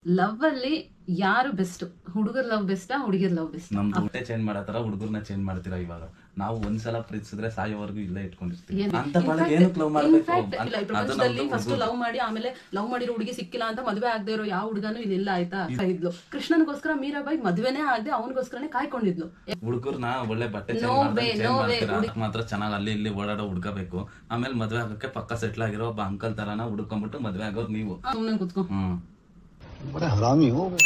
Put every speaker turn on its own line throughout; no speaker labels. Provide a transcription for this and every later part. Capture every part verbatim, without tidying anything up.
Love ಅಲ್ಲಿ ಯಾರು best? ಹುಡುಗರ್ ಲವ್ ಬೆಸ್ಟಾ ಹುಡುಗಿರ್ ಲವ್ ಬೆಸ್ಟ್?
ನಮ್ದು ಊಟ ಚೇಂಜ್ ಮಾಡತ್ತಾರ, ಹುಡುಗರ್ನ ಚೇಂಜ್ ಮಾಡ್ತೀರಾ. ಇವಾಗ ನಾವು ಒಂದ್ಸಲ ಪ್ರೀತಿಸಿದ್ರೆ ಸಾಯೋವರೆಗೂ ಇಲ್ಲೇ ಇಟ್ಕೊಂಡಿರ್ತೀವಿ. ಅಂತ ಬಳಗ ಏನಕ್ಕೆ ಲವ್ ಮಾಡ್ಬೇಕು?
ಪ್ರಪಂಚದಲ್ಲಿ ಫಸ್ಟ್ ಲವ್ ಮಾಡಿ ಆಮೇಲೆ ಲವ್ ಮಾಡಿರೋ ಹುಡುಗಿ ಸಿಕ್ಕಿಲ್ಲ ಅಂತ ಮದುವೆ ಆಗದೆ ಇರೋ ಯಾವ ಹುಡುಗನೂ ಇಲ್ಲ ಆಯ್ತಾ? ಇದ್ಲು ಕೃಷ್ಣನ್ಗೋಸ್ಕರ ಮೀರಾಬಾಯಿ ಮದುವೆನೇ ಆಗದೆ ಅವನಿಗೋಸ್ಕರನೇ ಕಾಯ್ಕೊಂಡಿದ್ಲು.
ಹುಡುಗರ್ನ ಒಳ್ಳೆ ಬಟ್ಟೆ ಚೇಂಜ್ ಮಾಡ್ತೀರಾ, ಮಾತ್ರ ಚೆನ್ನಾಗಿ ಅಲ್ಲಿ ಇಲ್ಲಿ ಓಡಾಡೋ ಹುಡ್ಕಬೇಕು. ಆಮೇಲೆ ಮದ್ವೆ ಆಗಕ್ಕೆ ಪಕ್ಕ ಸೆಟ್ಲ್ ಆಗಿರೋ ಒಬ್ಬ ಅಂಕಲ್ ತರಾನ ಹುಡ್ಕೊಂಡ್ಬಿಟ್ಟು ಮದ್ವೆ ಆಗೋರು ನೀವು.
ಸುಮ್ನೆ ಕುತ್ಕೊ.
ಹ್ಮ್
बड़ा हरामी हो बेटा।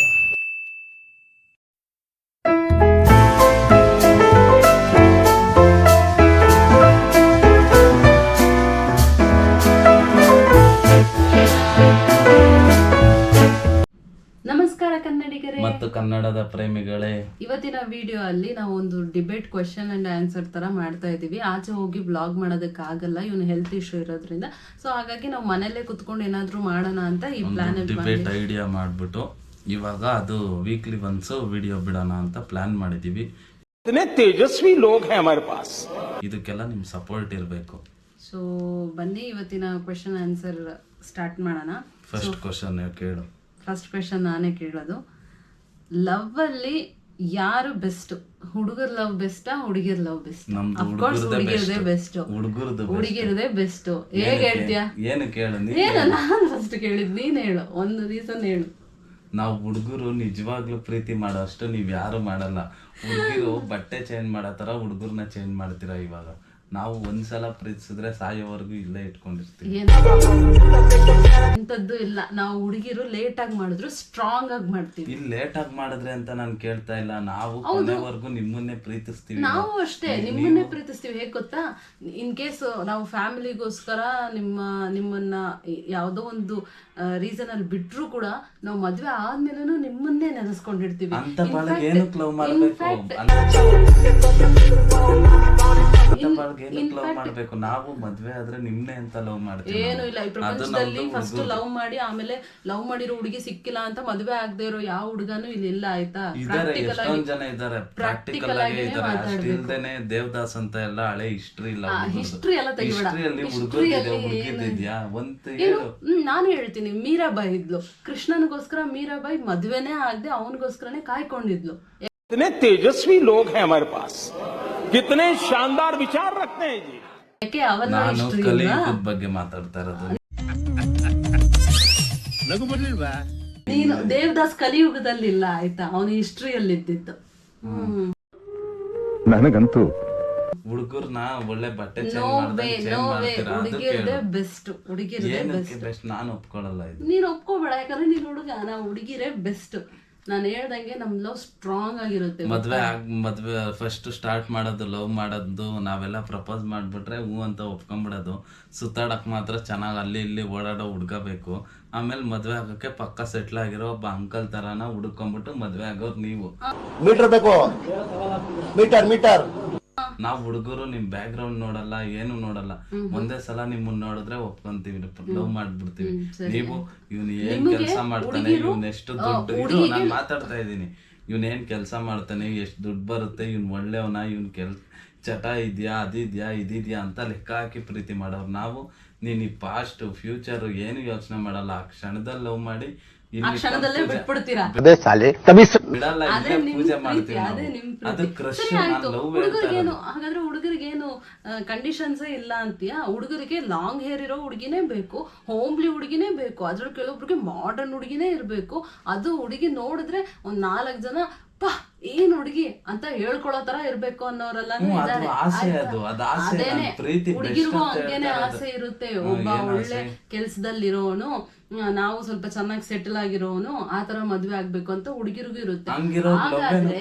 ನಮಸ್ಕಾರ ಕನ್ನಡಿಗರೇ
ಮತ್ತು ಕನ್ನಡದ ಪ್ರೇಮಿಗಳೇ.
ಇವತ್ತಿನ ವಿಡಿಯೋ ಅಲ್ಲಿ ನಾವು ಒಂದು ಡಿಬೇಟ್ ಕ್ವೆಶ್ಚನ್ ಅಂಡ್ ಆನ್ಸರ್ ತರ ಮಾಡ್ತಾ ಇದೀವಿ. ಆಚೆ ಹೋಗಿ ಬ್ಲಾಗ್ ಮಾಡೋದಕ್ಕೆ ಆಗಲ್ಲ, ಇವನು ಹೆಲ್ತ್ ಇಶ್ಯೂ ಇರೋದ್ರಿಂದ. ಸೊ ಹಾಗಾಗಿ ನಾವು ಮನೆಯಲ್ಲೇ ಕುತ್ಕೊಂಡು ಏನಾದ್ರು ಮಾಡೋಣ ಅಂತ ಈ ಪ್ಲಾನ್
ಡಿಬೇಟ್ ಐಡಿಯಾ ಮಾಡ್ಬಿಟ್ಟು ಇವಾಗ ಅದು ವೀಕ್ಲಿ ಒನ್ಸ್ ವಿಡಿಯೋ ಬಿಡೋಣ ಅಂತ ಪ್ಲಾನ್ ಮಾಡಿದೀವಿ.
ತೇಜಸ್ವಿ ಲೋಗ್ ಹೈ ಹಮಾರೆ ಪಾಸ್.
ಇದಕ್ಕೆಲ್ಲ ನಿಮ್ ಸಪೋರ್ಟ್ ಇರಬೇಕು.
ಸೊ ಬನ್ನಿ ಇವತ್ತಿನ ಕ್ವೆಶ್ಚನ್ ಆನ್ಸರ್ ಸ್ಟಾರ್ಟ್ ಮಾಡೋಣ.
ಫಸ್ಟ್ ಕ್ವೆಶ್ಚನ್ ಕೇಳು.
ಫಸ್ಟ್ ಕ್ವೆಶ್ಚನ್ ನಾನೇ ಕೇಳೋದು. ಲವ್ ಅಲ್ಲಿ ಯಾರು ಬೆಸ್ಟ್? ಹುಡುಗರ್ ಲವ್ ಬೆಸ್ಟಾ ಹುಡುಗಿರ್ ಲವ್ ಬೆಸ್ಟ್? ಅಫ್ಕೋರ್ಸ್ ಹುಡುಗಿರದೇ ಬೆಸ್ಟ್.
ಹುಡುಗರದು
ಹುಡುಗಿರದೇ ಬೆಸ್ಟ್. ಹೇಗ್ ಹೇಳ್ತೀಯಾ?
ಏನು ಕೇಳು.
ಏನು ನಾನು ಫಸ್ಟ್ ಕೇಳಿದ್, ನೀನ್ ಹೇಳು, ಒಂದು ರೀಸನ್ ಹೇಳು.
ನಾವು ಹುಡುಗರು ನಿಜವಾಗ್ಲೂ ಪ್ರೀತಿ ಮಾಡೋ ಅಷ್ಟು ನೀವ್ ಯಾರು ಮಾಡಲ್ಲ. ಹುಡುಗಿರು ಬಟ್ಟೆ ಚೇಂಜ್ ಮಾಡತ್ತಾರ, ಹುಡುಗರ್ನ ಚೇಂಜ್ ಮಾಡ್ತೀರಾ. ಇವಾಗ ನಾವು ಒಂದ್ಸಲ ಪ್ರೀತಿಸಿದ್ರೆ ಸಾಯೋವರೆಗೂ ಇಲ್ಲೇ ಇಟ್ಕೊಂಡಿರ್ತೀವಿ.
ಎಂತದ್ದು ಇಲ್ಲ, ನಾವು ಹುಡುಗಿರು ಲೇಟ್ ಆಗಿ ಮಾಡಿದ್ರು ಸ್ಟ್ರಾಂಗ್ ಆಗಿ ಮಾಡ್ತೀವಿ.
ಇಲ್ಲಿ ಲೇಟ್ ಆಗಿ ಮಾಡಿದ್ರೆ ಅಂತ ನಾನು ಕೇಳ್ತಾ ಇಲ್ಲ. ನಾವು ಕೊನೆವರೆಗೂ ನಿಮ್ಮನ್ನೇ ಪ್ರೀತಿಸ್ತೀವಿ.
ನಾವು ಅಷ್ಟೇ ನಿಮ್ಮನ್ನೇ ಪ್ರೀತಿಸ್ತೀವಿ. ಹೇಗ್ ಗೊತ್ತಾ, ಇನ್ ಕೇಸ್ ನಾವು ಫ್ಯಾಮಿಲಿಗೋಸ್ಕರ ನಿಮ್ಮ ನಿಮ್ಮನ್ನ ಯಾವ್ದೋ ಒಂದು ರೀಸನ್ ಅಲ್ಲಿ ಬಿಟ್ರು ಕೂಡ ನಾವು ಮದ್ವೆ ಆದ್ಮೇಲೂ ನಿಮ್ಮನ್ನೇ ನೆನೆಸ್ಕೊಂಡಿರ್ತೀವಿ.
ಅಂತ ಬಳಗ ಏನಕ್ಕೆ ಲವ್ ಮಾಡ್ಬೇಕು? ಏನಕ್ಕೆ ಲವ್ ಮಾಡ್ಬೇಕು? ನಾವು ಮದ್ವೆ ಆದ್ರೆ ನಿಮ್ನೆ ಅಂತ ಲವ್ ಮಾಡ್ತೀವಿ.
ಏನು ಇಲ್ಲ, ಈ ಪ್ರಪಂಚದಲ್ಲಿ ಫಸ್ಟ್ ಲವ್ ಮಾಡಿ ಆಮೇಲೆ ಲವ್ ಮಾಡಿರೋ ಹುಡುಗಿ ಸಿಕ್ಕಿಲ್ಲ ಅಂತ ಮದ್ವೆ ಆಗದೆ ಇರೋ ಯಾವ ಹುಡುಗನೂ ಇಲ್ಲಿ ಇಲ್ಲ ಆಯ್ತಾ?
ಎಷ್ಟೊಂದ್ ಜನ ಇದಾರೆ ಪ್ರಾಕ್ಟಿಕಲ್ ಆಗಿ ಇದಾರೆ. ಅಷ್ಟ್ ಇಲ್ದೇನೆ ದೇವದಾಸ್ ಅಂತ ಎಲ್ಲ ಹಳೆ ಹಿಸ್ಟ್ರಿ ಇಲ್ಲ.
ಹಿಸ್ಟ್ರಿ ಎಲ್ಲ ತೆಗಿಬೇಡ.
ಹಿಸ್ಟ್ರಿಯಲ್ಲಿ ಹುಡುಗರಿದೆ, ಹುಡುಗಿದ್ಯಾ ಒಂದ್ ಹೇಳು.
ನಾನು ಹೇಳ್ತೀನಿ, ಮೀರಾಬಾಯಿ ಇದ್ಲು, ಕೃಷ್ಣನ್ಗೋಸ್ಕರ ಮೀರಾಬಾಯಿ ಮದ್ವೆನೇ ಆಗದೆ ಅವನಿಗೋಸ್ಕರನೇ ಕಾಯ್ಕೊಂಡಿದ್ಲು.
कितने तेजस्वी लोग हैं हमारे पास, कितने शानदार विचार रखते हैं जी.
ಯಾಕೆ ಅವನ
ನಾನು ಕಲಿಯುಗದ ಬಗ್ಗೆ ಮಾತಾಡ್ತಾ ಇರೋದು.
ನೀನು ದೇವದಾಸ್ ಕಲಿಯುಗದಲ್ಲಿ ಇಲ್ಲ ಆಯ್ತಾ, ಅವನು ಹಿಸ್ಟ್ರಿಯಲ್ಲಿ ಇದ್ದಿದ್ದು.
ನನಗಂತೂ
ಹುಡುಗರ್ನ ಒಳ್ಳೆ ಬಟ್ಟೆ ಚೇಂಜ್ ಮಾಡ್ತೀರಾ.
ಬೆಸ್ಟ್ ಹುಡುಗಿರೇ
ಬೆಸ್ಟ್. ನಾನು ಒಪ್ಕೊಳ್ಳಲ್ಲ ಇದು.
ನೀನ್ ಒಪ್ಕೋಬೇಡ, ಯಾಕಂದ್ರೆ ನೀನ್ ಹುಡುಗ, ನಾವು ಹುಡುಗಿರೇ ಬೆಸ್ಟ್. ನಾನು ಹೇಳ್ದಂಗೆ ನಮ್ ಲವ್ ಸ್ಟ್ರಾಂಗ್ ಆಗಿರುತ್ತೆ.
ಮದ್ವೆ ಆಗ್ ಮದ್ವೆ ಫಸ್ಟ್ ಸ್ಟಾರ್ಟ್ ಮಾಡೋದು, ಲವ್ ಮಾಡೋದು, ನಾವೆಲ್ಲ ಪ್ರಪೋಸ್ ಮಾಡ್ಬಿಟ್ರೆ ಹೂ ಅಂತ ಒಪ್ಕೊಂಡ್ಬಿಡೋದು. ಸುತ್ತಾಡಕ್ ಮಾತ್ರ ಚೆನ್ನಾಗಿ ಅಲ್ಲಿ ಇಲ್ಲಿ ಓಡಾಡೋ ಹುಡ್ಕಬೇಕು. ಆಮೇಲೆ ಮದ್ವೆ ಆಗಕ್ಕೆ ಪಕ್ಕ ಸೆಟ್ಲ್ ಆಗಿರೋ ಒಬ್ಬ ಅಂಕಲ್ ತರಾನ ಹುಡ್ಕೊಂಡ್ಬಿಟ್ಟು ಮದ್ವೆ ಆಗೋರು ನೀವು.
ಮೀಟರ್ ಬೇಕು, ಮೀಟರ್ ಮೀಟರ್.
ನಾವ್ ಹುಡುಗರು ನಿಮ್ ಬ್ಯಾಕ್ ಗ್ರೌಂಡ್ ನೋಡಲ್ಲ, ಏನು ನೋಡಲ್ಲ. ಒಂದೇ ಸಲ ನಿಮ್ಮನ್ನ ನೋಡಿದ್ರೆ ಒಪ್ಕೊಂತೀವಿ, ಲವ್ ಮಾಡ್ಬಿಡ್ತೀವಿ. ನೀವು ಇವ್ನ ಏನ್ ಕೆಲಸ ಮಾಡ್ತಾನೆ, ಇವ್ನ ಎಷ್ಟು ದುಡ್ಡು, ಇದು ನಾನ್ ಮಾತಾಡ್ತಾ ಇದ್ದೀನಿ, ಇವ್ನ ಏನ್ ಕೆಲಸ ಮಾಡ್ತಾನೆ, ಎಷ್ಟು ದುಡ್ಡು ಬರುತ್ತೆ, ಇವ್ನ ಒಳ್ಳೆಯವನ, ಇವ್ನ ಕೆಲ್ ಚಟ ಇದ್ಯಾ, ಅದಿದ್ಯಾ, ಇದಿದ್ಯಾ ಅಂತ ಲೆಕ್ಕ ಹಾಕಿ ಪ್ರೀತಿ ಮಾಡೋರು ನಾವು. ನೀನ್ ಈ ಪಾಸ್ಟ್ ಫ್ಯೂಚರ್ ಏನು ಯೋಚನೆ ಮಾಡಲ್ಲ. ಆ ಕ್ಷಣದಲ್ಲಿ ಲವ್ ಮಾಡಿ
ಆ ಕ್ಷಣದಲ್ಲೇ ಬಿಟ್ಬಿಡ್ತೀರಾ.
ಬಿಡಲ್ಲ, ಪೂಜೆ ಮಾಡ್ತೀವಿ. ಅದು ಕ್ರಶ್.
ಹುಡುಗರಿಗೇನು ಹಾಗಾದ್ರೆ ಹುಡುಗರಿಗೇನು ಕಂಡೀಷನ್ಸ್ ಇಲ್ಲ ಅಂತೀಯಾ? ಹುಡುಗರಿಗೆ ಲಾಂಗ್ ಹೇರ್ ಇರೋ ಹುಡುಗಿನೇ ಬೇಕು, ಹೋಮ್ಲಿ ಹುಡುಗಿನೇ ಬೇಕು, ಅದ್ರಲ್ಲಿ ಕೆಲವೊಬ್ರಿಗೆ ಮಾಡರ್ನ್ ಹುಡುಗಿನೇ ಇರ್ಬೇಕು. ಅದು ಹುಡುಗಿ ನೋಡಿದ್ರೆ ಒಂದ್ ನಾಲ್ಕ್ ಜನ ಪಾ ಏನ್ ಹುಡುಗಿ ಅಂತ ಹೇಳ್ಕೊಳೋ ತರ ಇರ್ಬೇಕು ಅನ್ನೋರೆಲ್ಲ ಇದಾರೆ. ಅದೇನೆ ಹುಡುಗಿರ್ಗೂ ಹಂಗೇನೆ ಆಸೆ ಇರುತ್ತೆ. ಒಬ್ಬ ಒಳ್ಳೆ ಕೆಲ್ಸದಲ್ಲಿರೋನು, ನಾವು ಸ್ವಲ್ಪ ಚೆನ್ನಾಗಿ ಸೆಟಲ್ ಆಗಿರೋನು, ಆತರ ಮದ್ವೆ ಆಗ್ಬೇಕು ಅಂತ ಹುಡುಗಿರಿಗೂ ಇರುತ್ತೆ. ಹಾಗಾದ್ರೆ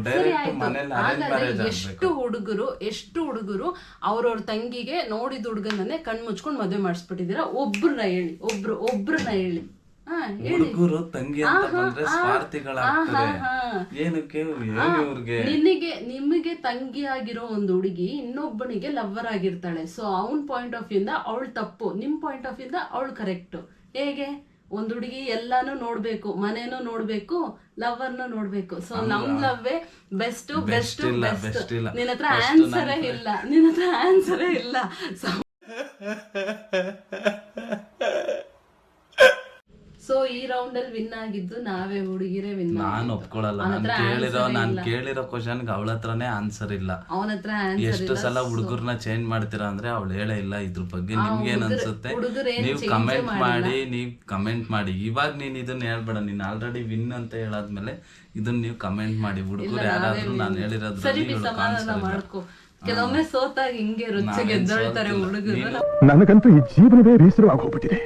ಎಷ್ಟು ಹುಡುಗರು ಎಷ್ಟು ಹುಡುಗರು ಅವ್ರವ್ರ ತಂಗಿಗೆ ನೋಡಿದ ಹುಡುಗನನ್ನೇ ಕಣ್ ಮುಚ್ಕೊಂಡ್ ಮದ್ವೆ ಮಾಡಿಸ್ಬಿಟ್ಟಿದೀರಾ? ಒಬ್ರನ್ನ ಹೇಳಿ, ಒಬ್ರು ಒಬ್ರನ್ನ ಹೇಳಿ.
ಹುಡುಗರು ತಂಗಿ ಅಂತ ಬಂದ್ರೆ ಸ್ವಾರ್ಥಿಗಳಾಗ್ತಾರೆ. ಏನಕ್ಕೆ
ನಿನಗೆ ನಿಮಗೆ ತಂಗಿ ಆಗಿರೋ ಒಂದು ಹುಡುಗಿ ಇನ್ನೊಬ್ಬನಿಗೆ ಲವ್ವರ್ ಆಗಿರ್ತಾಳೆ. ಸೊ ಅವನ್ ಪಾಯಿಂಟ್ ಆಫ್ ವ್ಯೂ ಇಂದ ಅವಳು ತಪ್ಪು, ನಿಮ್ ಪಾಯಿಂಟ್ ಆಫ್ ವ್ಯೂ ಇಂದ ಅವಳು ಕರೆಕ್ಟ್. ಹೇಗೆ? ಒಂದ್ ಹುಡುಗಿ ಎಲ್ಲಾನು ನೋಡ್ಬೇಕು, ಮನೇನು ನೋಡ್ಬೇಕು, ಲವರ್ನು ನೋಡ್ಬೇಕು. ಸೊ ನಮ್ ಲವ್ವೇ ಬೆಸ್ಟ್ ಬೆಸ್ಟ್ ಬೆಸ್ಟ್. ನಿನ್ನ ಹತ್ರ ಆನ್ಸರೇ ಇಲ್ಲ, ನಿನ್ನ ಹತ್ರ ಆನ್ಸರೇ ಇಲ್ಲ. ಸೊ ಈ ರೌಂಡ್ ಅಲ್ಲಿ ವಿನ್ ಆಗಿದ್ದು ನಾವೇ, ಹುಡುಗಿರೇ ವಿನ್.
ನಾನ್ ಒಪ್ಕೊಳಲ್ಲ. ನಾನ್ ಕೇಳಿರೋ ನಾನ್ ಕೇಳಿರೋ ಕ್ವಶನ್ಗೆ ಅವಳ ಹತ್ರನೇ ಆನ್ಸರ್ ಇಲ್ಲ.
ಅವನ ಹತ್ರ
ಎಷ್ಟು ಸಲ ಹುಡುಗರ್ನ ಚೇಂಜ್ ಮಾಡ್ತೀರಾ ಅಂದ್ರೆ ಅವಳು ಹೇಳೇ ಇಲ್ಲ ಇದ್ರ ಬಗ್ಗೆ. ನಿಮ್ಗೆ ಏನ್ ಅನ್ಸುತ್ತೆ? ನೀವ್ ಕಮೆಂಟ್ ಮಾಡಿ, ನೀವ್ ಕಮೆಂಟ್ ಮಾಡಿ. ಇವಾಗ ನೀನ್ ಇದನ್ನ ಹೇಳ್ಬೇಡ, ನೀನ್ ಆಲ್ರೆಡಿ ವಿನ್ ಅಂತ ಹೇಳಾದ್ಮೇಲೆ ಇದನ್ನ ನೀವು ಕಮೆಂಟ್ ಮಾಡಿ. ಹುಡುಗರು ಯಾರಾದ್ರೂ ನಾನು ಹೇಳಿರೋದ್ರಲ್ಲಿ
ಮಾಡ್ಕೊ. ಕೆಲವೊಮ್ಮೆ ಸೋತಾಗ ಹಿಂಗೆ ರುಚಿ ಗೆದ್ದೊಳ್ತಾರೆ ಹುಡುಗರು.
ನನಗಂತೂ ಈ ಜೀವನವೇ ಬೇಸರವಾಗಿ ಹೋಗ್ಬಿಟ್ಟಿದೆ.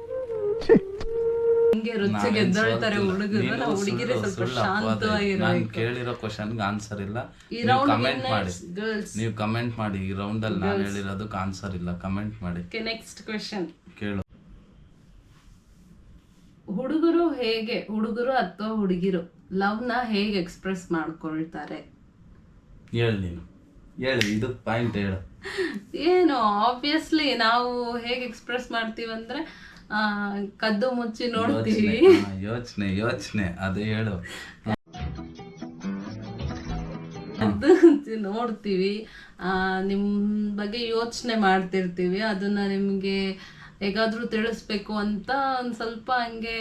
ಹಿಂಗೆ ರುಚಿ ಗೆದ್ದೊಳ್ತಾರೆ ಹುಡುಗರು. ನಾವು ಹುಡುಗಿರೇ ಸ್ವಲ್ಪ ಶಾಂತವಾಗಿರೋ.
ನಾನು ಕೇಳಿರೋ ಕ್ವಶನ್ಗೆ ಆನ್ಸರ್ ಇಲ್ಲ. ಕಮೆಂಟ್ ಮಾಡಿ, ನೀವು ಕಮೆಂಟ್ ಮಾಡಿ. ಈ ರೌಂಡ್ ಅಲ್ಲಿ ನಾನು ಹೇಳಿರೋದಕ್ಕೆ ಆನ್ಸರ್ ಇಲ್ಲ, ಕಮೆಂಟ್ ಮಾಡಿ.
ನೆಕ್ಸ್ಟ್ ಕ್ವೆಶ್ಚನ್
ಕೇಳು.
ಹುಡುಗರು ಹೇಗೆ, ಹುಡುಗರು ಅಥವಾ ಹುಡುಗಿರು ಲವ್ ನ ಹೇಗೆ ಎಕ್ಸ್ಪ್ರೆಸ್ ಮಾಡ್ಕೊಳ್ತಾರೆ?
ಹೇಳಿ ನೀನು, ಹೇಳಿ. ಇದು ಪಾಯಿಂಟ್ ಹೇಳು.
ಏನು, ಆಬ್ವಿಯಸ್ಲಿ ನಾವು ಹೇಗೆ ಎಕ್ಸ್ಪ್ರೆಸ್ ಮಾಡ್ತೀವಂದ್ರೆ ಆ ಕದ್ದು ಮುಚ್ಚಿ ನೋಡ್ತೀವಿ.
ಯೋಚನೆ ಯೋಚನೆ ಅದೇ ಹೇಳು.
ಕದ್ದು ಮುಚ್ಚಿ ನೋಡ್ತೀವಿ, ಆ ನಿಮ್ ಬಗ್ಗೆ ಯೋಚನೆ ಮಾಡ್ತಿರ್ತೀವಿ. ಅದನ್ನ ನಿಮ್ಗೆ ಹೇಗಾದ್ರೂ ತಿಳಿಸ್ಬೇಕು ಅಂತ ಒಂದ್ ಸ್ವಲ್ಪ ಹಂಗೆ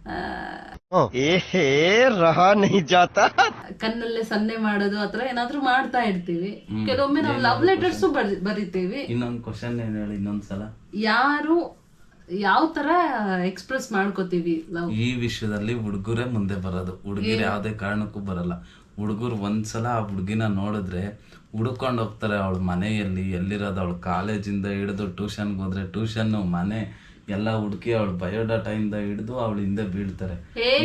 ಕಣ್ಣಲ್ಲೇ ಸನ್ನೆ ಮಾಡೋದು ಆತರ ಏನಾದ್ರೂ ಮಾಡ್ತಾ ಇರ್ತೀವಿ. ಕೆಲವೊಮ್ಮೆ ನಾವು ಲವ್ ಲೆಟರ್ಸ್ ಬರಿತೀವಿ.
ಇನ್ನೊಂದ್ ಕ್ವಶನ್ ಏನ್ ಹೇಳಿ ಇನ್ನೊಂದ್ಸಲ.
ಯಾರು ಯಾವ ತರ ಎಕ್ಸ್ಪ್ರೆಸ್ ಮಾಡ್ಕೋತೀವಿ ಲವ್?
ಈ ವಿಷಯದಲ್ಲಿ ಹುಡುಗರೇ ಮುಂದೆ ಬರೋದು, ಹುಡುಗಿರು ಯಾವ್ದೇ ಕಾರಣಕ್ಕೂ ಬರಲ್ಲ. ಹುಡುಗರು ಒಂದ್ಸಲ ಆ ಹುಡುಗಿನ ನೋಡಿದ್ರೆ ಹುಡ್ಕೊಂಡು ಹೋಗ್ತಾರೆ. ಅವಳ ಮನೆಯಲ್ಲಿ ಎಲ್ಲಿರೋದು, ಅವಳು ಕಾಲೇಜಿಂದ ಹಿಡಿದು ಟ್ಯೂಷನ್ಗೆ ಹೋದ್ರೆ ಟ್ಯೂಷನ್, ಮನೆ ಎಲ್ಲ ಹುಡುಕಿ ಅವಳ ಬಯೋಡಾಟಾ ಇಂದ ಹಿಡಿದು ಅವಳ ಹಿಂದೆ ಬೀಳ್ತಾರೆ.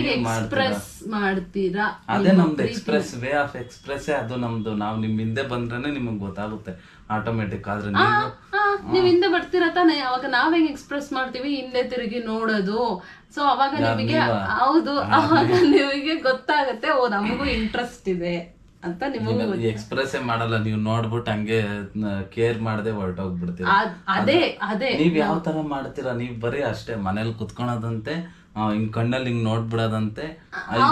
ಮಾಡ್ತೀರಾ?
ಅದೇ ನಮ್ದು ಎಕ್ಸ್ಪ್ರೆಸ್ ವೇ ಆಫ್ ಎಕ್ಸ್ಪ್ರೆಸ್. ಅದು ನಮ್ದು. ನಾವು ನಿಮ್ ಹಿಂದೆ ಬಂದ್ರೇನೆ ನಿಮಗ್ ಗೊತ್ತಾಗುತ್ತೆ ಆಟೋಮೆಟಿಕ್. ಆದ್ರೆ
ನೀವ್ ಹಿಂದೆ ಬರ್ತೀರಾ ತಾನೆ, ಅವಾಗ ನಾವ್ ಹೆಂಗ್ ಎಕ್ಸ್ಪ್ರೆಸ್ ಮಾಡ್ತೀವಿ? ಹಿಂದೆ ತಿರುಗಿ ನೋಡೋದು. ಸೊ ಅವಾಗ ನಿಮಗೆ, ಹೌದು, ಅವಾಗ ನಿಮಗೆ ಗೊತ್ತಾಗತ್ತೆ, ಓ ನಮಗೂ ಇಂಟ್ರೆಸ್ಟ್ ಇದೆ ಅಂತ. ನಿಮಗೆ
ಎಕ್ಸ್ಪ್ರೆಸ್ ಮಾಡಲ್ಲ, ನೀವು ನೋಡ್ಬಿಟ್ಟು ಹಂಗೆ ಕೇರ್ ಮಾಡದೆ ಹೊರಟೋಗ್ಬಿಡ್ತೀರಾ.
ಅದೇ ಅದೇ
ನೀವ್ ಯಾವ ತರ ಮಾಡ್ತೀರಾ? ನೀವ್ ಬರೀ ಅಷ್ಟೇ ಮನೇಲಿ ಕುತ್ಕೊಳದಂತೆ, ಹಿಂಗ್ ಕಣ್ಣಲ್ಲಿ ಹಿಂಗ್ ನೋಡ್ಬಿಡೋದಂತೆ. ನಾವ್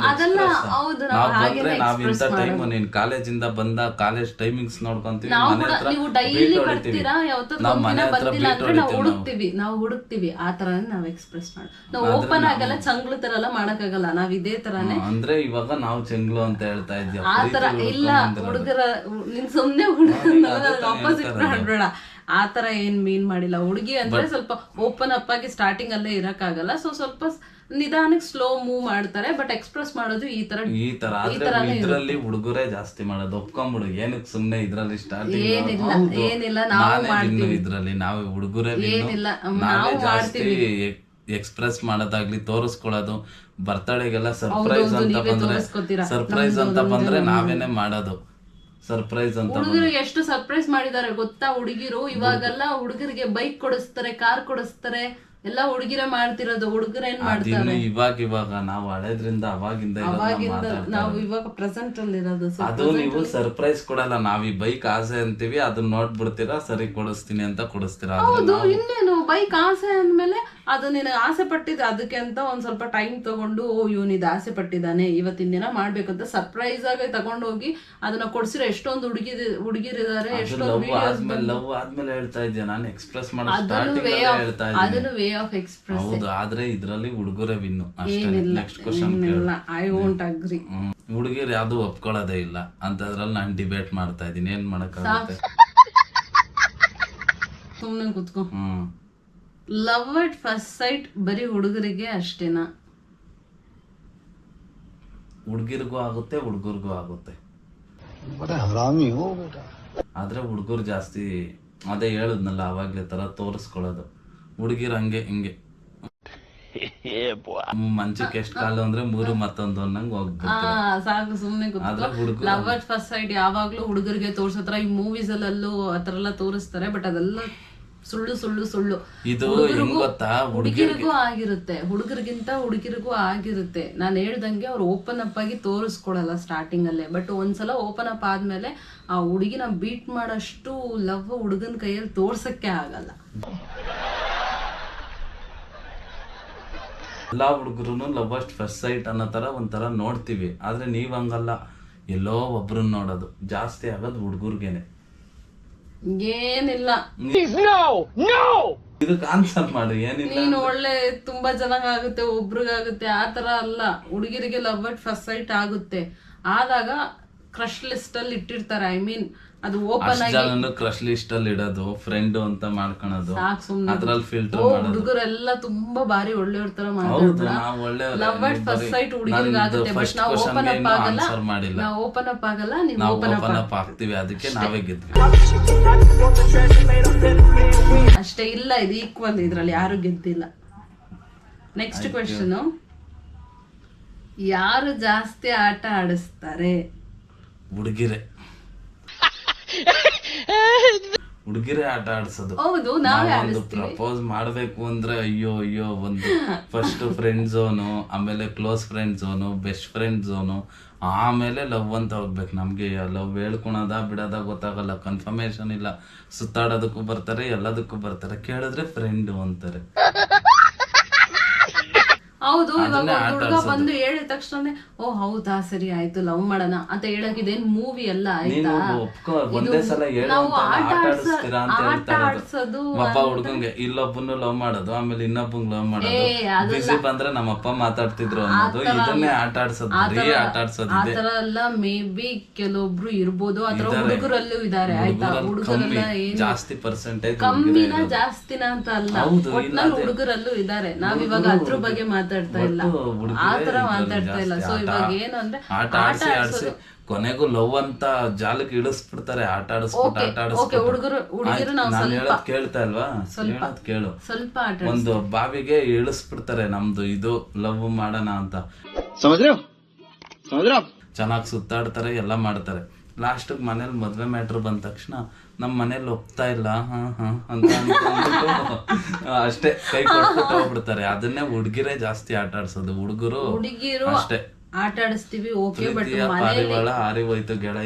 ಬಂದ್ರೆ ನಾವ್ ಇಂಥ ಟೈಮ್, ನೀನ್ ಕಾಲೇಜಿಂದ ಬಂದ ಕಾಲೇಜ್ ಟೈಮಿಂಗ್ಸ್ ನೋಡ್ಕೊಂತೀವಿ.
ನೀವು ಡೈಲಿ ಬರ್ತೀರಾ, ಯಾವತ್ತೋ ಬಂದಿಲ್ಲ ಅಂದ್ರೆ ನಾವು ಹುಡುಕ್ತಿವಿ, ನಾವು ಹುಡುಕ್ತಿವಿ. ಆ ತರ ನಾವ್ ಎಕ್ಸ್ಪ್ರೆಸ್ ಮಾಡಿ. ನಾವು ಓಪನ್ ಆಗಲ್ಲ, ಚಂಗ್ಲು ತರ ಎಲ್ಲ ಮಾಡಕ್ಕಾಗಲ್ಲ. ನಾವ್ ಇದೇ ತರಾನೇ.
ಅಂದ್ರೆ ಇವಾಗ ನಾವು ಚಂಗ್ಲು ಅಂತ ಹೇಳ್ತಾ ಇದ್ವಿ.
ಆ ತರ ಇಲ್ಲ ಹುಡುಗರ. ನಿನ್ ಸುಮ್ನೆ ಹುಡುಗರ ಆಪೋಸಿಟ್ ಮಾಡ್ಬೇಡ. ಆತರ ಏನ್ ಮೀನ್ ಮಾಡಿಲ್ಲ. ಹುಡುಗಿ ಅಂದ್ರೆ ಸ್ವಲ್ಪ ಓಪನ್ ಅಪ್ ಆಗಿ ಸ್ಟಾರ್ಟಿಂಗ್ ಅಲ್ಲೇ ಇರಕ್ಕಾಗಲ್ಲ. ಸೊ ಸ್ವಲ್ಪ ನಿಧಾನಕ್ಕೆ ಸ್ಲೋ ಮೂವ್ ಮಾಡ್ತಾರೆ. ಬಟ್ ಎಕ್ಸ್ಪ್ರೆಸ್ ಮಾಡೋದು ಈ ತರ
ಈ ತರ ಇದ್ರಲ್ಲಿ ಹುಡುಗರೇ ಜಾಸ್ತಿ ಮಾಡೋದು. ಒಪ್ಕೊಂಬಿಡು, ಏನಕ್ಕೆ ಸುಮ್ನೆ ಇದ್ರಲ್ಲಿ ಸ್ಟಾರ್ಟಿಂಗ್
ಏನಿಲ್ಲ ಏನಿಲ್ಲ ನಾವು ಮಾಡ್ತೀವಿ.
ಇದ್ರಲ್ಲಿ ನಾವೇ ಹುಡುಗರೇ
ಏನಿಲ್ಲ ನಾವು ಮಾಡ್ತೀವಿ.
ಎಕ್ಸ್ಪ್ರೆಸ್ ಮಾಡೋದಾಗ್ಲಿ, ತೋರಿಸ್ಕೊಳ್ಳೋದು. ಬರ್ತಡೆಗೆಲ್ಲ ಸರ್ಪ್ರೈಸ್ ಅಂತ ಬಂದ್ರೆ, ಸರ್ಪ್ರೈಸ್ ಅಂತ ಬಂದ್ರೆ ನಾವೇನೆ ಮಾಡೋದು. ಸರ್ಪ್ರೈಸ್ ಅಂತ
ಹುಡುಗರಿಗೆ ಎಷ್ಟು ಸರ್ಪ್ರೈಸ್ ಮಾಡಿದ್ದಾರೆ ಗೊತ್ತಾ ಹುಡುಗಿರು? ಇವಾಗೆಲ್ಲ ಹುಡುಗರಿಗೆ ಬೈಕ್ ಕೊಡಿಸ್ತಾರೆ, ಕಾರ್ ಕೊಡಿಸ್ತಾರೆ, ಎಲ್ಲ ಹುಡುಗಿರೇ ಮಾಡ್ತಿರೋದು. ಹುಡುಗರ ಏನ್ ಮಾಡ್ತಾರೆ
ಇವಾಗ ಇವಾಗ ನಾವು ಹಳೆದ್ರಿಂದ ಅವಾಗಿಂದ
ನಾವು ಇವಾಗ ಪ್ರೆಸೆಂಟ್ ಅಲ್ಲಿ ಇರೋದು.
ಅದು ನೀವು ಸರ್ಪ್ರೈಸ್ ಕೊಡಲ್ಲ, ನಾವ್ ಈ ಬೈಕ್ ಆಸೆ ಅಂತೀವಿ, ಅದನ್ನ ನೋಡ್ಬಿಡ್ತೀರಾ, ಸರಿ ಕೊಡಿಸ್ತೀನಿ ಅಂತ ಕೊಡಿಸ್ತೀರಾ.
ಹೌದು, ಇನ್ನೇನು ಬೈಕ್ ಆಸೆ ಅಂದ್ಮೇಲೆ ಅದು ನಿನಗೆ ಆಸೆ ಪಟ್ಟಿದ್ದು, ಅದಕ್ಕೆ ಅಂತ ಒಂದ್ ಸ್ವಲ್ಪ ಟೈಮ್ ತಗೊಂಡು, ಓ ಇವನ್ ಇದು ಆಸೆ ಪಟ್ಟಿದ್ದಾನೆ, ಇವತ್ತಿನ ದಿನ ಮಾಡ್ಬೇಕಂತ ಸರ್ಪ್ರೈಸ್ ಆಗಿ ತಗೊಂಡು ಹೋಗಿ ಅದನ್ನ ಕೊಡ್ಸಿರೋ ಎಷ್ಟೊಂದು ಹುಡುಗಿ ಹುಡುಗಿರಿದ್ದಾರೆ. ಎಷ್ಟೊಂದು
ಲವ್ ಆದ್ಮೇಲೆ ಹೇಳ್ತಾ ಇದ್ದೆ ನಾನು, ಎಕ್ಸ್ಪ್ರೆಸ್ ಮಾಡೋದು ಹೇಳ್ತಾ
ಅದನ್ನು ವೇ ಆಫ್ ಎಕ್ಸ್ಪ್ರೆಸ್.
ಹೌದು, ಆದ್ರೆ ಇದ್ರಲ್ಲಿ ಹುಡುಗರೇ ವಿನ್ನು ಅಷ್ಟೇ. Next question
I won't agree.
ಹುಡುಗಿರು ಯಾವ್ದು ಒಪ್ಕೊಳ್ಳೋದೇ ಇಲ್ಲ ಅಂತದ್ರಲ್ಲಿ ನಾನು ಡಿಬೇಟ್ ಮಾಡ್ತಾ ಇದೀನಿ. ಏನ್ ಮಾಡಕ್ಕಾಗುತ್ತೆ?
ಸುಮ್ನೆ ಕುತ್ಕೋ. ಲವ್ ಅಟ್ ಫಸ್ಟ್ ಸೈಟ್ ಬರೀ ಹುಡುಗರಿಗೆ ಅಷ್ಟೇನಾ?
ಹುಡುಗಿರ್ಗೂ ಆಗುತ್ತೆ, ಹುಡುಗರ್ಗೂ ಆಗುತ್ತೆ. ಆದ್ರೆ ಹುಡುಗರು ಜಾಸ್ತಿ, ಅದೇ ಹೇಳುದ್ನಲ್ಲ ಅವಾಗ್ಲೇ ತರ ತೋರಿಸ್ಕೊಳ್ಳೋದು. ಹುಡುಗಿರು ಹಂಗೆ ಹಿಂಗೆ ಮಂಚಕ್ಕೆ ಎಷ್ಟು ಕಾಲು ಅಂದ್ರೆ ಮೂರು ಮತ್ತೊಂದು ಅನ್ನಂಗ್ ಹೋಗ್ಬಿಡ್ತಾರೆ.
ಸಾಕು ಸುಮ್ನೆ ಕೂತ್ಕೋ. ಲವ್ ಅಟ್ ಫಸ್ಟ್ ಸೈಟ್ ಯಾವಾಗ್ಲೂ ಹುಡುಗರಿಗೆ ತೋರ್ಸತ್ರ, ಈ ಮೂವೀಸ್ ಅಲ್ಲೂ ಆತರ ಎಲ್ಲ ತೋರಿಸ್ತಾರೆ. ಬಟ್ ಅದೆಲ್ಲ ಸುಳ್ಳು ಸುಳ್ಳು ಸುಳ್ಳು.
ಇದು
ಹುಡುಗಿರಿಗೂ ಆಗಿರುತ್ತೆ, ಹುಡುಗರಿಗಿಂತ ಹುಡುಗಿರಿಗೂ ಆಗಿರುತ್ತೆ. ನಾನು ಹೇಳ್ದಂಗೆ ಅವ್ರು ಓಪನ್ ಅಪ್ ಆಗಿ ತೋರಿಸ್ಕೊಡಲ್ಲ ಸ್ಟಾರ್ಟಿಂಗ್ ಅಲ್ಲೇ. ಬಟ್ ಒಂದ್ಸಲ ಓಪನ್ ಅಪ್ ಆದ್ಮೇಲೆ ಆ ಹುಡುಗಿನ ಬೀಟ್ ಮಾಡೋಷ್ಟು ಲವ್ ಹುಡುಗನ ಕೈಯಲ್ಲಿ ತೋರ್ಸಕ್ಕೆ ಆಗಲ್ಲ.
ಎಲ್ಲಾ ಹುಡುಗರು ಲವ್ ಅಟ್ ಫಸ್ಟ್ ಸೈಟ್ ಅನ್ನೋ ತರ ಒಂಥರ ನೋಡ್ತೀವಿ. ಆದ್ರೆ ನೀವ್ ಹಂಗಲ್ಲ, ಎಲ್ಲೋ ಒಬ್ರನ್ನ ನೋಡೋದು ಜಾಸ್ತಿ ಆಗೋದು ಹುಡುಗರ್ಗೆನೆ.
ಏನಿಲ್ಲ,
ಇದಕ್ಕೆ ಆನ್ಸರ್ ಮಾಡಿ ಏನಿಲ್ಲ.
ನೀನು ಒಳ್ಳೆ ತುಂಬಾ ಚೆನ್ನಾಗಾಗುತ್ತೆ, ಒಬ್ರಿಗಾಗುತ್ತೆ, ಆತರ ಅಲ್ಲ. ಹುಡುಗಿರಿಗೆ ಲವ್ ಅಟ್ ಫಸ್ಟ್ ಸೈಟ್ ಆಗುತ್ತೆ, ಆದಾಗ ಕ್ರಶ್ ಲಿಸ್ಟ್ ಅಲ್ಲಿ ಇಟ್ಟಿರ್ತಾರೆ. ಐ ಮೀನ್ ಅದು ಓಪನ್ ಆಗಿ
ಜನನು ಕ್ರಶ್ ಲಿಸ್ಟ್ ಅಲ್ಲಿ ಇಡೋದು, ಫ್ರೆಂಡ್ ಅಂತ ಮಾಡ್ಕೊಳೋದು, ಅದ್ರಲ್ಲಿ ಫಿಲ್ಟರ್ ಮಾಡೋದು.
ಹುಡುಗರೆಲ್ಲ ತುಂಬಾ ಬಾರಿ ಒಳ್ಳೆಯವ್ರ ತರ
ಹೌದು, ನಾವು ಒಳ್ಳೆ
ಲವ್ ಅಟ್ ಫಸ್ಟ್ ಸೈಟ್ ಹುಡುಗಿರಿಗೆ ಆಗುತ್ತೆ. ಬಟ್ ನಾವು ಓಪನ್ ಅಪ್ ಆಗಲ್ಲ, ನಾವು ಓಪನ್ ಅಪ್ ಆಗಲ್ಲ, ನೀವು ಓಪನ್
ಅಪ್ ಆಗ್ತೀವಿ, ಅದಕ್ಕೆ ನಾವೇ ಗೆದ್ವಿ
ಅಷ್ಟೇ. ಇಲ್ಲ, ಇದು ಈಕ್ವಲ್, ಇದ್ರಲ್ಲಿ ಯಾರು ಗೆದ್ದಿಲ್ಲ. ನೆಕ್ಸ್ಟ್ ಕ್ವೆಶ್ಚನ್, ಯಾರು ಜಾಸ್ತಿ ಆಟ ಆಡಿಸ್ತಾರೆ?
ಹುಡುಗಿರೆ ಹುಡುಗಿರೇ ಆಟ ಆಡ್ಸೋದು.
ಹೌದು, ನಾವೇ
ಒಂದು ಪ್ರಪೋಸ್ ಮಾಡ್ಬೇಕು ಅಂದ್ರೆ ಅಯ್ಯೋ ಅಯ್ಯೋ ಒಂದು ಫಸ್ಟ್ ಫ್ರೆಂಡ್ ಝೋನು, ಆಮೇಲೆ close friend zone, best friend zone, ಆಮೇಲೆ ಲವ್ ಅಂತ ಹೋಗ್ಬೇಕು. ನಮ್ಗೆ ಲವ್ ಹೇಳ್ಕೊಳದ ಬಿಡೋದ ಗೊತ್ತಾಗಲ್ಲ, ಕನ್ಫರ್ಮೇಶನ್ ಇಲ್ಲ. ಸುತ್ತಾಡೋದಕ್ಕೂ ಬರ್ತಾರೆ, ಎಲ್ಲದಕ್ಕೂ ಬರ್ತಾರೆ, ಕೇಳಿದ್ರೆ ಫ್ರೆಂಡ್ ಅಂತಾರೆ.
ಹೌದು, ಇವಾಗ ಹುಡುಗ ಬಂದು ಹೇಳಿದ ತಕ್ಷಣ ಓ ಹೌದಾ ಸರಿ ಆಯ್ತು ಲವ್ ಮಾಡೋಣ ಅಂತ ಹೇಳಕ್ ಇದೇನ್ ಮೂವಿ ಎಲ್ಲ ಆಯ್ತಾ?
ಒಂದೇ ಸಲ ಹೇಳೋ ಆಟ ಆಡಿಸ್ತೀರಾ ಅಂತ ಹೇಳ್ತಾರೆ. ಒಬ್ಬ ಹುಡುಗಂಗೆ ಇಲ್ಲೊಬ್ಬನು ಲವ್ ಮಾಡೋದು, ಆಮೇಲೆ ಇನ್ನೊಬ್ಬಂಗ್ ಲವ್ ಮಾಡೋದು, ಬಿಸಿ ಬಂದ್ರೆ ನಮ್ಮಪ್ಪ ಮಾತಾಡ್ತಿದ್ರು ಅನ್ನೋದು, ಇದನ್ನೇ ಆಟ ಆಡ್ಸೋದು, ಬರೀ ಆಟ ಆಡ್ಸೋದು.
ಆತರ ಎಲ್ಲ ಮೇ ಬಿ ಕೆಲವೊಬ್ರು ಇರ್ಬೋದು, ಆತರ ಹುಡುಗರಲ್ಲೂ ಇದಾರೆ ಆಯ್ತಾ? ಹುಡುಗರೆಲ್ಲ ಏನು
ಜಾಸ್ತಿ ಪರ್ಸೆಂಟೇಜ್
ಕಮ್ಮಿನ ಜಾಸ್ತಿನ ಅಂತ ಅಲ್ಲ, ಒಟ್ನಲ್ಲಿ ಹುಡುಗರಲ್ಲೂ ಇದಾರೆ. ನಾವ್ ಇವಾಗ ಅದ್ರ ಬಗ್ಗೆ ಮಾತಾಡ್ತಾ ಇಲ್ಲ, ಆತರ ಮಾತಾಡ್ತಾ ಇಲ್ಲ. ಸೊ ಇವಾಗ ಏನು ಅಂದ್ರೆ
ಆಟ ಆಡ್ಸಿ ಆಡ್ಸಿ ಕೊನೆಗೂ ಲವ್ ಅಂತ ಜಾಲಕ್ಕೆ ಇಳಿಸ್ಬಿಡ್ತಾರೆ. ಆಟ ಆಡಿಸ್ಬಿಟ್ಟು ಆಟ ಆಡಿಸ್ಬಿಟ್ಟು
ಹುಡುಗರು ಹುಡುಗಿರು ನಾವು
ನಾನು ಹೇಳೋದ್ ಕೇಳ್ತಾ ಇಲ್ವಾ? ಹೇಳೋದ್ ಕೇಳು.
ಸ್ವಲ್ಪ ಆಟ
ಒಂದು ಬಾವಿಗೆ ಇಳಿಸ್ಬಿಡ್ತಾರೆ, ನಮ್ದು ಇದು ಲವ್ ಮಾಡೋಣ ಅಂತ. ಚೆನ್ನಾಗಿ ಸುತ್ತಾಡ್ತಾರೆ, ಎಲ್ಲ ಮಾಡ್ತಾರೆ. ಲಾಸ್ಟ್ ಮನೇಲಿ ಮದ್ವೆ ಮ್ಯಾಟ್ರ್ ಬಂದ ತಕ್ಷಣ ನಮ್ ಮನೇಲಿ ಒಪ್ತಾ ಇಲ್ಲ ಹ ಹ ಅಂತ ಅನ್ಕೊಂಡ್ಬಿಟ್ಟು ಅಷ್ಟೇ ಕೈ ಕೊಟ್ಬಿಟ್ಟು ಹೋಗ್ಬಿಡ್ತಾರೆ. ಅದನ್ನೇ ಹುಡುಗಿರೇ ಜಾಸ್ತಿ ಆಟ ಆಡ್ಸೋದು. ಹುಡುಗರು
ಹುಡುಗಿರು
ಅಷ್ಟೇ
ಆಟ ಆಡಿಸ್ತೀವಿ, ಓಕೆ, ಬಟ್
ಪಾರಿವಾಳ ಹಾರಿ ಹೋಯ್ತು ಗೆಳೆಯ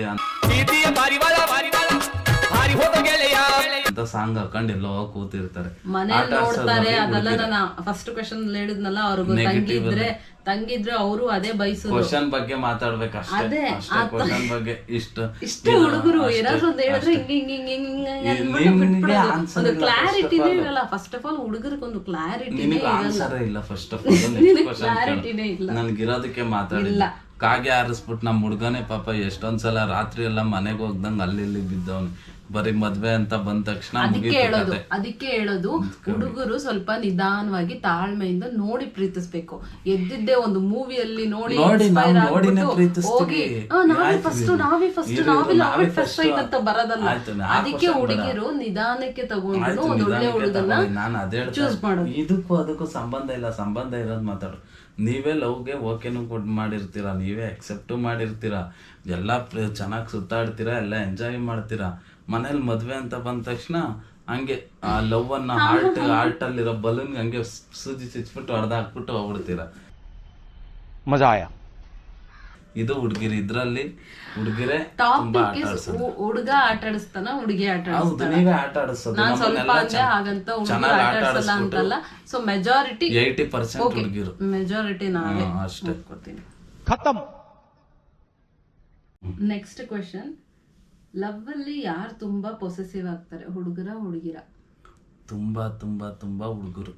ಅಂತ ಸಾಂಗ್ ಹಾಕೊಂಡು ಎಲ್ಲೋ ಕೂತಿರ್ತಾರೆ,
ಮನೇಲಿ ನೋಡ್ತಾರೆ. ಅದೆಲ್ಲ ನಾನು ಫಸ್ಟ್ ಕ್ವೆಶ್ಚನ್ ಹೇಳಿದ್ನಲ್ಲ, ಅವ್ರಿಗೆ ತಂಗಿದ್ರೆ ತಂಗಿದ್ರೆ ಅವರು ಅದೇ ಬಯಸೋದು.
ಕ್ವಶನ್ ಬಗ್ಗೆ ಮಾತಾಡ್ಬೇಕಷ್ಟೇ, ಕ್ವಶನ್ ಬಗ್ಗೆ ಇಷ್ಟ
ಇಷ್ಟೇ. ಹುಡುಗರು ಏನಾದ್ರು ಒಂದು ಹೇಳಿದ್ರೆ ಹಿಂಗ್ ಹಿಂಗ್ ಹಿಂಗ್ ಹಿಂಗ್ ಒಂದು ಕ್ಲಾರಿಟಿನೇ ಇರಲ್ಲ. ಫಸ್ಟ್ ಆಫ್ ಆಲ್ ಹುಡುಗರಿಗೆ ಒಂದು ಕ್ಲಾರಿಟಿನೇ
ಇಲ್ಲ. ಫಸ್ಟ್ ಆಫ್ ಆಲ್
ಕ್ಲಾರಿಟಿನೇ ಇಲ್ಲ.
ನನ್ಗಿರೋದಕ್ಕೆ ಮಾತಾಡಿಲ್ಲ. ಕಾಗೆ ಹಾರಿಸ್ಬಿಟ್ಟು ನಮ್ ಹುಡ್ಗನೇ ಪಾಪ ಎಷ್ಟೊಂದ್ಸಲ ರಾತ್ರಿ ಎಲ್ಲ ಮನೆಗೆ ಹೋಗ್ದಂಗ ಅಲ್ಲಿ ಇಲ್ಲಿ ಬಿದ್ದವನು. ಬರೀ ಮದ್ವೆ ಅಂತ ಬಂದ ತಕ್ಷಣ
ಅದಕ್ಕೆ ಹೇಳೋದು ಅದಕ್ಕೆ ಹೇಳೋದು ಹುಡುಗರು ಸ್ವಲ್ಪ ನಿಧಾನವಾಗಿ ತಾಳ್ಮೆಯಿಂದ ನೋಡಿ ಪ್ರೀತಿಸ್ಬೇಕು. ಎದ್ದಿದ್ದೆ ಒಂದು ಮೂವಿಯಲ್ಲಿ ನೋಡಿ ಹೋಗಿ ನಾವೇ ಫಸ್ಟ್ ನಾವೇ ಫಸ್ಟ್ ನಾವೇ ನಾವೇ ಫಸ್ಟ್ ಆಯ್ತು ಅಂತ ಬರೋದಲ್ಲ. ಅದಕ್ಕೆ ಹುಡುಗಿರು ನಿಧಾನಕ್ಕೆ ತಗೊಂಡು ಒಂದು ಒಳ್ಳೆ ಹುಡುಗನ್ನ ಚೂಸ್ ಮಾಡೋದು.
ಇದಕ್ಕೂ ಅದಕ್ಕೂ ಸಂಬಂಧ ಇಲ್ಲ, ಸಂಬಂಧ ಇರೋದು ಮಾತಾಡು. ನೀವೇ ಲವ್ಗೆ ಓಕೆನು ಕೊಟ್ಟು ಮಾಡಿರ್ತೀರಾ, ನೀವೇ ಅಕ್ಸೆಪ್ಟು ಮಾಡಿರ್ತೀರಾ, ಎಲ್ಲ ಚೆನ್ನಾಗಿ ಸುತ್ತಾಡ್ತೀರಾ, ಎಲ್ಲ ಎಂಜಾಯ್ ಮಾಡ್ತೀರಾ. ಮನೇಲಿ ಮದ್ವೆ ಅಂತ ಬಂದ ತಕ್ಷಣ ಹಂಗೆ ಆ ಲವ್ ಅನ್ನ ಹಾರ್ಟ್ ಹಾರ್ಟ್ ಅಲ್ಲಿರೋ ಬಲೂನ್ ಹಂಗೆ ಸೂಜಿ ಚುಚ್ಬಿಟ್ಟು ಹೊಡೆದ ಹಾಕ್ಬಿಟ್ಟು ಹೋಗ್ಬಿಡ್ತೀರಾ.
ಮಜಾ ಆಯ.
ಇದು ಹುಡುಗಿರಿ. ಇದ್ರಲ್ಲಿ ಹುಡುಗಿರೇ ತುಂಬಾ ಆಟ ಆಡ್ಸೋದು.
ಹುಡುಗ ಆಟ ಆಡಿಸ್ತಾನ, ಹುಡುಗಿ ಆಟ
ಹೌದು, ನೀವೇ ಆಟ ಆಡಿಸೋದು.
ನಾನ್ ಸ್ವಲ್ಪ ಅಂದ್ರೆ ಹಾಗಂತ ಹುಡುಗ ಆಟ ಆಡಿಸಲ್ಲ ಅಂತಲ್ಲ. ಸೊ ಮೆಜಾರಿಟಿ
ಏಯ್ಟಿ ಪರ್ಸೆಂಟ್ ಹುಡುಗಿರು,
ಮೆಜಾರಿಟಿ ನಾವೇ
ಅಷ್ಟೇ.
ಖತಮ್.
ನೆಕ್ಸ್ಟ್ ಕ್ವೆಶ್ಚನ್, ಲವ್ ಅಲ್ಲಿ ಯಾರು ತುಂಬಾ ಪೊಸೆಸಿವ್ ಆಗ್ತಾರೆ, ಹುಡುಗರ ಹುಡುಗಿರ?
ತುಂಬಾ ತುಂಬಾ ತುಂಬಾ ಹುಡುಗರು.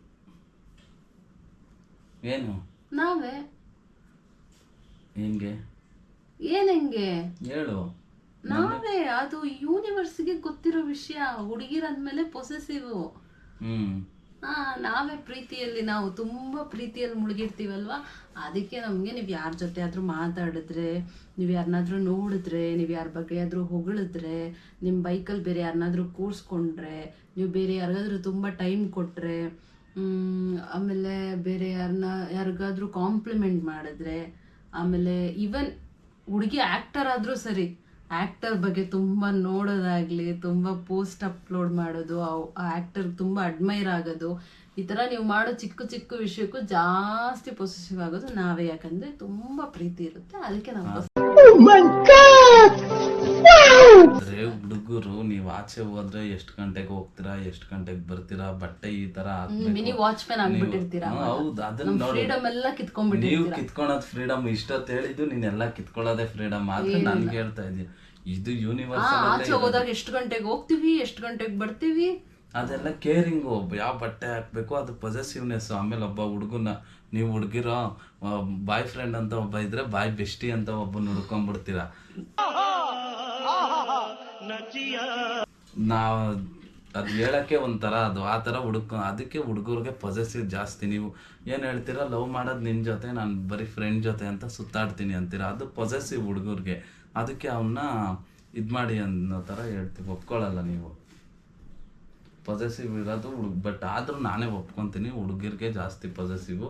ಏನು
ನಾವೇ.
ಹೆಂಗೆ
ಏನ್ ಹೆಂಗೆ
ಹೇಳು?
ನಾವೇ. ಅದು ಯೂನಿವರ್ಸ್ಗೆ ಗೊತ್ತಿರೋ ವಿಷಯ. ಹುಡುಗಿರಂದ್ಮೇಲೆ ಪೊಸೆಸಿವ್.
ಹ್ಮ್
ಹಾ, ನಾವೇ ಪ್ರೀತಿಯಲ್ಲಿ ನಾವು ತುಂಬಾ ಪ್ರೀತಿಯಲ್ಲಿ ಮುಳುಗಿರ್ತೀವಲ್ವಾ. ಅದಕ್ಕೆ ನಮ್ಗೆ ನೀವ್ ಯಾರ ಜೊತೆ ಆದ್ರೂ ಮಾತಾಡಿದ್ರೆ, ನೀವ್ ಯಾರನ್ನಾದ್ರೂ ನೋಡಿದ್ರೆ, ನೀವ್ ಯಾರ ಬಗ್ಗೆ ಆದ್ರೂ ಹೊಗಳಿದ್ರೆ, ನಿಮ್ ಬೈಕಲ್ಲಿ ಬೇರೆ ಯಾರನ್ನಾದ್ರೂ ಕೂರ್ಸ್ಕೊಂಡ್ರೆ, ನೀವು ಬೇರೆ ಯಾರಿಗಾದ್ರೂ ತುಂಬಾ ಟೈಮ್ ಕೊಟ್ರೆ, ಹ್ಮ್ ಆಮೇಲೆ ಬೇರೆ ಯಾರನ್ನ ಯಾರಿಗಾದ್ರೂ ಕಾಂಪ್ಲಿಮೆಂಟ್ ಮಾಡಿದ್ರೆ, ಆಮೇಲೆ ಈವನ್ ಹುಡುಗಿ ಆಕ್ಟರ್ ಆದ್ರೂ ಸರಿ, ಆಕ್ಟರ್ ಬಗ್ಗೆ ತುಂಬ ನೋಡೋದಾಗ್ಲಿ, ತುಂಬ ಪೋಸ್ಟ್ ಅಪ್ಲೋಡ್ ಮಾಡೋದು, ಆ ಆಕ್ಟರ್ ತುಂಬ ಅಡ್ಮೈರ್ ಆಗೋದು, ಈ ಥರ ನೀವು ಮಾಡೋ ಚಿಕ್ಕ ಚಿಕ್ಕ ವಿಷಯಕ್ಕೂ ಜಾಸ್ತಿ ಪೊಸೆಸಿವ್ ಆಗೋದು ನಾವೇ. ಯಾಕಂದ್ರೆ ತುಂಬ ಪ್ರೀತಿ ಇರುತ್ತೆ, ಅದಕ್ಕೆ ನಾವು.
ಅಂದ್ರೆ ಹುಡುಗರು ನೀವ್ ಆಚೆ ಹೋದ್ರೆ ಎಷ್ಟು ಗಂಟೆಗೆ ಹೋಗ್ತೀರಾ, ಎಷ್ಟು ಗಂಟೆಗೆ ಬರ್ತೀರಾ, ಬಟ್ಟೆ ಈ ತರ
ಮಿನಿ ವಾಚ್ ಮ್ಯಾನ್ ಆಗ್ಬಿಟ್ಟಿರ್ತೀರಾ.
ಹೌದು, ಅದನ್ನ
ಫ್ರೀಡಮ್ ಎಲ್ಲ ಕಿತ್ಕೊಂಡ್ಬಿಟ್ಟಿರ್ತೀರಾ.
ನೀವು ಕಿತ್ಕೊಳೋದ್ ಫ್ರೀಡಮ್. ಇಷ್ಟೊತ್ತು ಹೇಳಿದ್ದು ನೀನೆಲ್ಲ ಕಿತ್ಕೊಳ್ಳೋದೇ ಫ್ರೀಡಮ್. ಆದ್ರೆ ನನ್ಗೆ ಹೇಳ್ತಾ ಇದೀಯ, ಇದು ಯೂನಿವರ್ಸಲ್.
ಆಚೆ ಹೋದಾಗ ಎಷ್ಟು ಗಂಟೆಗೆ ಹೋಗ್ತೀವಿ, ಎಷ್ಟು ಗಂಟೆಗೆ ಬರ್ತೀವಿ,
ಅದೆಲ್ಲ ಕೇರಿಂಗು. ಯಾವ ಬಟ್ಟೆ ಹಾಕ್ಬೇಕು ಅದು ಪೊಸೆಸಿವ್ನೆಸ್. ಆಮೇಲೆ ಒಬ್ಬ ಹುಡುಗನ ನೀವು ಹುಡುಗಿರೋ ಬಾಯ್ ಫ್ರೆಂಡ್ ಅಂತ ಒಬ್ಬ ಇದ್ರೆ ಬಾಯ್ ಬೆಸ್ಟಿ ಅಂತ ಒಬ್ಬನ ಹುಡ್ಕೊಂಡ್ಬಿಡ್ತೀರಾ. ನಾವ್ ಅದ್ ಹೇಳಕ್ಕೆ ಒಂಥರ ಅದು ಆ ಥರ ಹುಡುಕ. ಅದಕ್ಕೆ ಹುಡುಗರಿಗೆ ಪೊಸೆಸಿವ್ ಜಾಸ್ತಿ. ನೀವು ಏನು ಹೇಳ್ತೀರಾ, ಲವ್ ಮಾಡೋದು ನಿನ್ನ ಜೊತೆ, ನಾನು ಬರೀ ಫ್ರೆಂಡ್ ಜೊತೆ ಅಂತ ಸುತ್ತಾಡ್ತೀನಿ ಅಂತೀರಾ, ಅದು ಪೊಸೆಸಿವ್ ಹುಡುಗರಿಗೆ. ಅದಕ್ಕೆ ಅವನ್ನ ಇದು ಮಾಡಿ ಅನ್ನೋ ಥರ ಹೇಳ್ತೀವಿ. ಒಪ್ಕೊಳ್ಳಲ್ಲ ನೀವು ಪೊಸೆಸಿವ್ ಇರೋದು ಹುಡುಗ. ಬಟ್ ಆದ್ರೂ ನಾನೇ ಒಪ್ಕೊಂತೀನಿ, ಹುಡುಗಿರ್ಗೆ ಜಾಸ್ತಿ ಪೊಸೆಸಿವ್.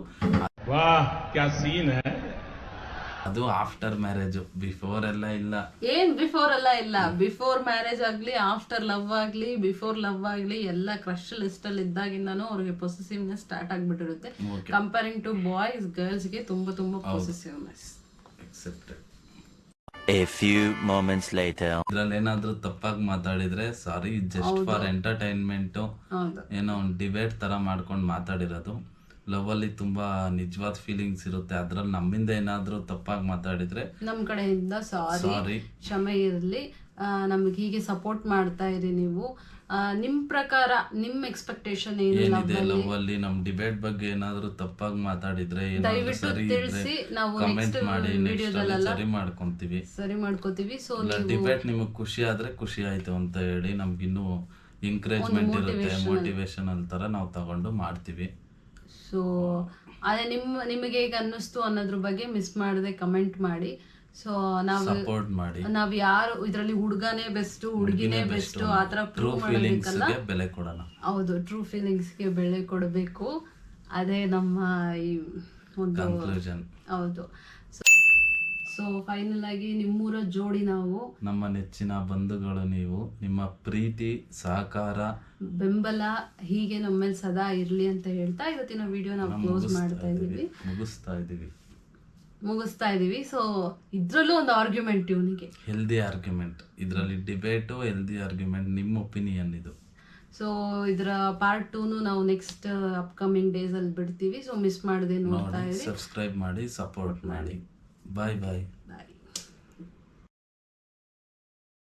ಅದು ಆಫ್ಟರ್ ಮ್ಯಾರೇಜ್, ಬಿಫೋರ್ ಎಲ್ಲ ಇಲ್ಲ.
ಏನ್ ಬಿಫೋರ್ ಎಲ್ಲ ಇಲ್ಲ. ಬಿಫೋರ್ ಮ್ಯಾರೇಜ್ ಆಗ್ಲಿ, ಆಫ್ಟರ್ ಲವ್ ಆಗ್ಲಿ, ಬಿಫೋರ್ ಲವ್ ಆಗ್ಲಿ, ಎಲ್ಲ ಕ್ರಶ್ ಲಿಸ್ಟ್ ಅಲ್ಲಿ ಇದ್ದಾಗಿಂದಾನು ಅವ್ರಿಗೆ ಪೊಸೆಸಿವ್ನೆಸ್ ಸ್ಟಾರ್ಟ್ ಆಗ್ಬಿಟ್ಟಿರುತ್ತೆ. ಕಂಪೇರಿಂಗ್ ಟು ಬಾಯ್ಸ್, ಗರ್ಲ್ಸ್ ಗೆ ತುಂಬಾ ತುಂಬಾ possessiveness.
Accepted.
A few moments later.
ಇದ್ರಲ್ಲಿ ಏನಾದ್ರೂ ತಪ್ಪಾಗಿ ಮಾತಾಡಿದ್ರೆ ಸಾರಿ, ಜಸ್ಟ್ ಫಾರ್ ಎಂಟರ್ಟೈನ್ಮೆಂಟ್, ಏನೋ ಒಂದು ಡಿಬೇಟ್ ತರ ಮಾಡ್ಕೊಂಡು ಮಾತಾಡಿರೋದು. ಲವ್ ಅಲ್ಲಿ ತುಂಬಾ ನಿಜವಾದ ಫೀಲಿಂಗ್ಸ್ ಇರುತ್ತೆ. ಅದ್ರಲ್ಲಿ ನಮ್ಮಿಂದ ಏನಾದ್ರೂ ತಪ್ಪಾಗಿ ಮಾತಾಡಿದ್ರೆ
ನಮ್ ಕಡೆಯಿಂದ ಸಾರಿ, ಕ್ಷಮೆ ಇರಲಿ. ನಮ್ಗೆ ಹೀಗೆ ಸಪೋರ್ಟ್ ಮಾಡ್ತಾ ಇರಿ ನೀವು. ನಿಮ್ ಪ್ರಕಾರ ನಿಮ್ ಎಕ್ಸ್ಪೆಕ್ಟೇಷನ್
ಏನಿದೆ ಲವ್ ಅಲ್ಲಿ, ನಮ್ ಡಿಬೇಟ್ ಬಗ್ಗೆ ಏನಾದ್ರೂ ತಪ್ಪಾಗಿ ಮಾತಾಡಿದ್ರೆ ಸರಿ
ತಿಳಿಸಿ, ನಾವು
ಕಮೆಂಟ್ ಮಾಡಿ ಸರಿ ಮಾಡ್ಕೊಂತೀವಿ
ಸರಿ ಮಾಡ್ಕೋತೀವಿ. ಸೊ
ಡಿಬೇಟ್ ನಿಮಗ್ ಖುಷಿ ಆದ್ರೆ ಖುಷಿ ಆಯ್ತು ಅಂತ ಹೇಳಿ ನಮ್ಗಿನ್ನೂ ಎಂಕರೇಜ್ಮೆಂಟ್ ಇರುತ್ತೆ, ಮೋಟಿವೇಶನಲ್ ತರ ನಾವು ತಗೊಂಡು ಮಾಡ್ತೀವಿ.
ಸೊ ಅದೇ ನಿಮ್ ನಿಮಗೆ ಹೇಗೆ ಅನ್ನಿಸ್ತು ಅನ್ನೋದ್ರ ಬಗ್ಗೆ ಮಿಸ್ ಮಾಡದೆ ಕಮೆಂಟ್ ಮಾಡಿ. ಸೊ ನಾವು
ಸಪೋರ್ಟ್ ಮಾಡಿ.
ನಾವ್ ಯಾರು ಇದ್ರಲ್ಲಿ ಹುಡುಗನೇ ಬೆಸ್ಟ್, ಹುಡುಗಿನೇ ಬೆಸ್ಟ್ ಆತರ
ಟ್ರೂ ಫೀಲಿಂಗ್ಸ್ ಗೆ ಬೆಲೆ ಕೊಡೋಣ.
ಹೌದು, ಟ್ರೂ ಫೀಲಿಂಗ್ಸ್ ಗೆ ಬೆಲೆ ಕೊಡಬೇಕು. ಅದೇ ನಮ್ಮ ಈ ಒಂದು
ಕನ್ಕ್ಲೂಷನ್.
ಹೌದು. ಸೊ ಫೈನಲ್ ಆಗಿ ನಿಮ್ಮೂರ ಜೋಡಿ ನಾವು,
ನಮ್ಮ ನೆಚ್ಚಿನ ಬಂಧುಗಳು ನೀವು, ನಿಮ್ಮ ಪ್ರೀತಿ ಸಹಕಾರ
ಬೆಂಬಲ ಹೀಗೆ ನಮ್ಮ ಮೇಲೆ ಸದಾ ಇರ್ಲಿ ಅಂತ ಹೇಳ್ತಾ ಇವತ್ತಿನ ವಿಡಿಯೋ ನಾವು ಕ್ಲೋಸ್ ಮಾಡ್ತಾ ಇದೀವಿ,
ಮುಗಿಸ್ತಾ ಇದೀವಿ
ಮುಗಿಸ್ತಾ ಇದೀವಿ. ಸೊ ಇದ್ರಲ್ಲೂ ಒಂದು ಆರ್ಗ್ಯುಮೆಂಟ್, ಇವನಿಗೆ
ಹೆಲ್ದಿ ಆರ್ಗ್ಯುಮೆಂಟ್, ಇದರಲ್ಲಿ ಡಿಬೇಟು ಹೆಲ್ದಿ ಆರ್ಗ್ಯುಮೆಂಟ್. ನಿಮ್ಮ ಒಪಿನಿಯನ್ ಇದು.
ಸೊ ಇದರ ಪಾರ್ಟ್ ಟೂನು ನಾವು ನೆಕ್ಸ್ಟ್ ಅಪ್ಕಮಿಂಗ್ ಡೇಸ್ ಅಲ್ಲಿ ಬಿಡ್ತೀವಿ. ಸೊ ಮಿಸ್ ಮಾಡದೆ ನೋಡ್ತಾ ಇರಿ,
ಸಬ್ಸ್ಕ್ರೈಬ್ ಮಾಡಿ, ಸಪೋರ್ಟ್ ಮಾಡಿ. ಬಾಯ್ ಬಾಯ್
ಬಾಯ್.